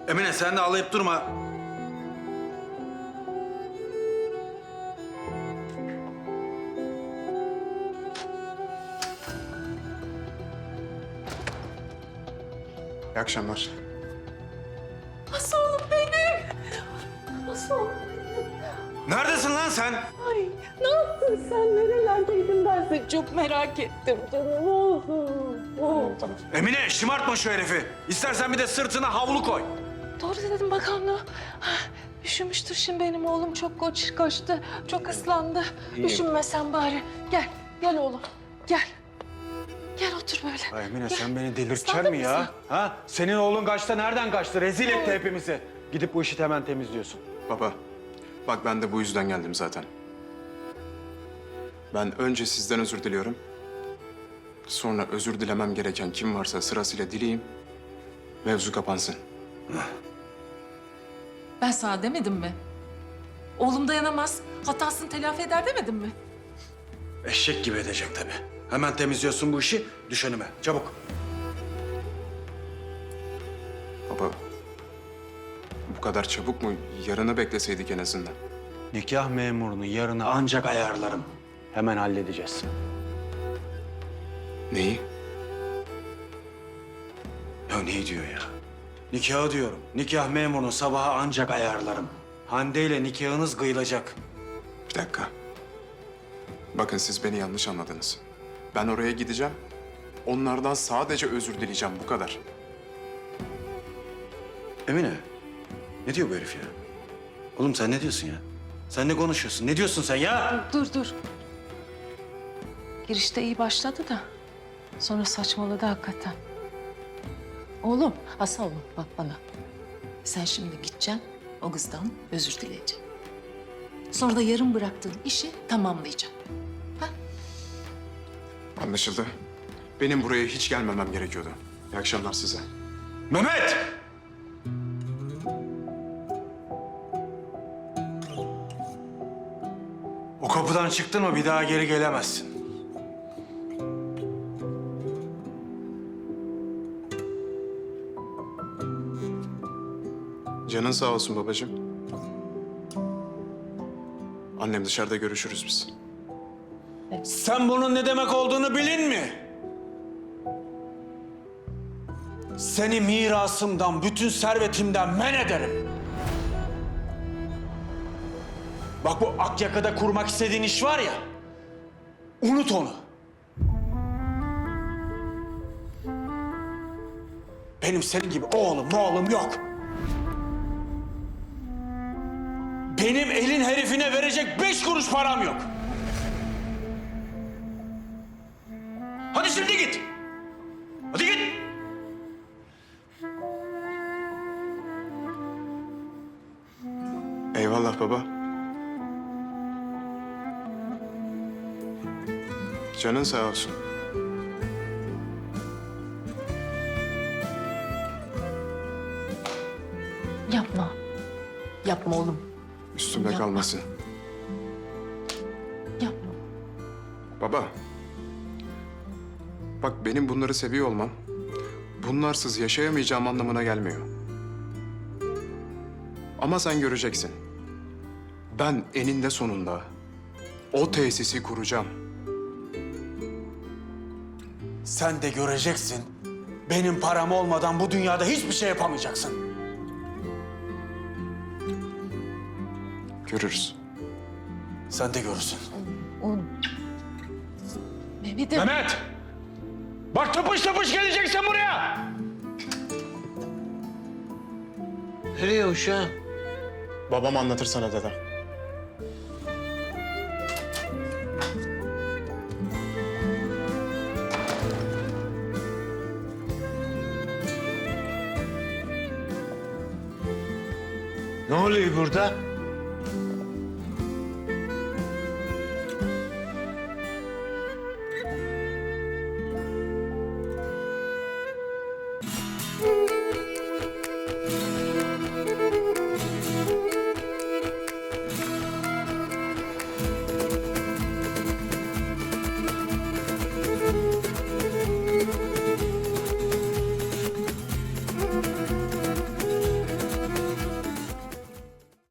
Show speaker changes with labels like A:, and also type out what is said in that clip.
A: Emine sen de ağlayıp durma.
B: İyi akşamlar.
C: Nasıl oğlum benim? Nasıl oğlum benim?
A: Neredesin lan sen?
C: Ay ne yaptın sen? Nerelerdeydin ben seni çok merak ettim canım.
B: Tamam.
A: Emine şımartma şu herifi. İstersen bir de sırtına havlu koy.
C: Doğru dedim bakalım. Üşümüştür şimdi benim oğlum. Çok koştu. Çok ıslandı. Üşünme sen bari. Gel. Gel oğlum. Gel. Gel otur böyle.
A: Ay Emine
C: Gel.
A: sen beni delirtecek
C: Islandın
A: mi
C: mı
A: ya?
C: sen?
A: Ha? Senin oğlun kaçta nereden kaçtı? Rezil etti hepimizi. Gidip bu işi hemen temizliyorsun.
B: Baba, bak ben de bu yüzden geldim zaten. Ben önce sizden özür diliyorum. Sonra özür dilemem gereken kim varsa sırasıyla dileyeyim. Mevzu kapansın.
C: Ben sana demedim mi? Oğlum dayanamaz. Hatasını telafi eder demedim mi?
A: Eşek gibi edecek tabii. Hemen temizliyorsun bu işi. Düş önüme. Çabuk.
B: Baba, bu kadar çabuk mu? Yarını bekleseydik en azından.
A: Nikah memurunu yarına ancak ayarlarım. Hemen halledeceğiz.
B: Neyi?
A: Ya ne diyor ya? Nikahı diyorum. Nikah memurunu sabaha ancak ayarlarım. Hande ile nikahınız kıyılacak.
B: Bir dakika. Bakın siz beni yanlış anladınız. Ben oraya gideceğim. Onlardan sadece özür dileyeceğim, bu kadar.
A: Emine, ne diyor bu herif ya? Oğlum sen ne diyorsun ya? Sen ne konuşuyorsun? Ne diyorsun sen ya?
C: Dur. Girişte iyi başladı da sonra saçmaladı hakikaten. Oğlum, Hasan oğlum bak bana. Sen şimdi gideceksin, o kızdan özür dileyeceksin. Sonra da yarım bıraktığın işi tamamlayacaksın.
B: Anlaşıldı. Benim buraya hiç gelmemem gerekiyordu. İyi akşamlar size.
A: Mehmet! O kapıdan çıktın mı bir daha geri gelemezsin.
B: Canın sağ olsun babacığım. Annem dışarıda görüşürüz biz.
A: Sen bunun ne demek olduğunu bilin mi? Seni mirasımdan, bütün servetimden men ederim. Bak bu Akyaka'da kurmak istediğin iş var ya, unut onu. Benim senin gibi oğlum yok. Benim elin herifine verecek 5 kuruş param yok. Hadi şimdi git. Hadi git.
B: Eyvallah baba. Canın sağ olsun.
C: Yapma. Yapma oğlum.
B: Üstümde
C: Yapma.
B: kalmasın.
C: Yapma.
B: Baba. Bak benim bunları seviyor olmam, bunlarsız yaşayamayacağım anlamına gelmiyor. Ama sen göreceksin. Ben eninde sonunda o tesisi kuracağım.
A: Sen de göreceksin. Benim param olmadan bu dünyada hiçbir şey yapamayacaksın.
B: Görürüz.
A: Sen de görürsün.
C: Oğlum. Mehmet'im.
A: Mehmet! Bak tıpış tıpış geleceksin buraya!
D: Nereye uşağım?
B: Babam anlatır sana dede.
D: Ne oluyor burada?